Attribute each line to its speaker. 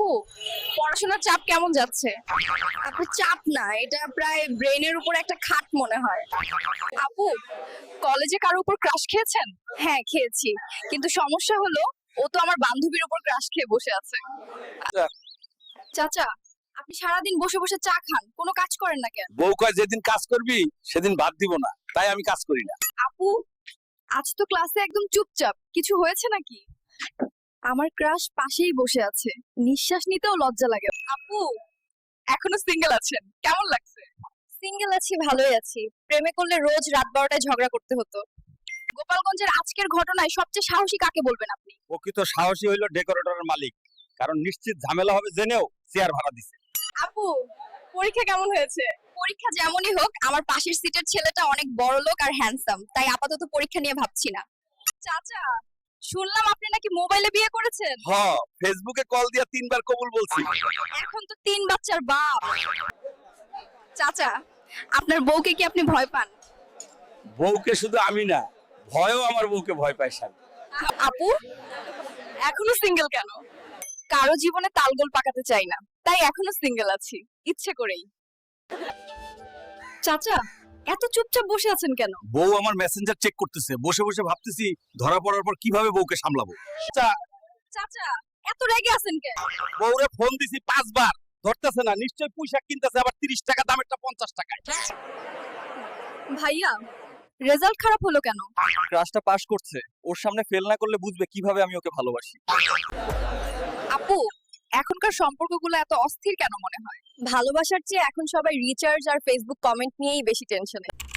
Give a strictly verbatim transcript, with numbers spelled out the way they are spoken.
Speaker 1: আপু, পড়াশোনার চাপ কেমন যাচ্ছে? আপু, চাপ না, এটা প্রায় ব্রেনের উপর একটা খাট মনে হয়। আপু, কলেজে কারো উপর ক্রাশ খেয়েছেন? হ্যাঁ, খেয়েছি, কিন্তু সমস্যা হলো ও তো আমার বান্ধবীর উপর ক্রাশ খেয়ে বসে আছে। চাচা, আপনি সারাদিন বসে বসে চা খান, কোনো কাজ করেন না কেন?
Speaker 2: বউ কয় যেদিন কাজ করবি সেদিন ভাত দিব না, তাই আমি কাজ করি না।
Speaker 1: আপু, আজ তো ক্লাসে একদম চুপচাপ, কিছু হয়েছে নাকি? আমার ক্রাশ পাশেই বসে আছে, নিঃশ্বাস নিতেও লজ্জা লাগে। আপু, এখনো সিঙ্গেল আছেন, কেমন লাগছে? সিঙ্গেল আছি, ভালোই আছি। প্রেমে করলে রোজ রাত বারোটায় ঝগড়া করতে হতো। গোপালগঞ্জের আজকের ঘটনায় সবচেয়ে সাহসী কাকে বলবেন আপনি?
Speaker 2: প্রকৃত সাহসী হইলো ডেকোরেটরের মালিক, কারণ নিশ্চিত ঝামেলা হবে জেনেও চেয়ার ভাড়া দিছে।
Speaker 1: আপু, পরীক্ষা কেমন হয়েছে? পরীক্ষা যেমনই হোক, আমার পাশের সিটের ছেলেটা অনেক বড় লোক আর হ্যান্ডসাম, তাই আপাতত পরীক্ষা নিয়ে ভাবছি না। চাচা, শুনলাম আপনি নাকি মোবাইলে বিয়ে করেছেন।
Speaker 2: হ, ফেসবুকে কল দিয়া তিনবার কবুল বলছি।
Speaker 1: এখন তো তিন বাচ্চার বাপ। চাচা, আপনার বউকে কি আপনি ভয় পান?
Speaker 2: বউকে শুধু আমি না, ভয়ও আমার বউকে ভয় পায় স্যার।
Speaker 1: আপু, এখনো সিঙ্গেল কেন? কারো জীবনে তালগোল পাকাতে চাই না, তাই এখনো সিঙ্গেল আছি, ইচ্ছে করেই। চাচা, এত চুপচাপ বসে আছেন কেন?
Speaker 2: বউ আমার মেসেঞ্জার চেক করতেছে, বসে বসে ভাবতেছি ধরা পড়ার পর কিভাবে বউকে সামলাবো। আচ্ছা,
Speaker 1: চাচা, এত রেগে আছেন কেন?
Speaker 2: বউরে ফোন দিছি পাঁচবার, ধরতেছে না, নিশ্চয় পুঁইশাক কিনতেছে, আবার তিরিশ টাকা দামেরটা পঞ্চাশ টাকায়।
Speaker 1: ভাইয়া, রেজাল্ট খারাপ হলো কেন?
Speaker 2: ক্লাসটা পাস করছে, ওর সামনে ফেল না করলে বুঝবে কিভাবে আমি ওকে ভালোবাসি।
Speaker 1: আপু, এখনকার সম্পর্কগুলো এত অস্থির কেন মনে হয়? ভালোবাসার চেয়ে এখন সবাই রিচার্জ আর ফেসবুক কমেন্ট নিয়েই বেশি টেনশনে।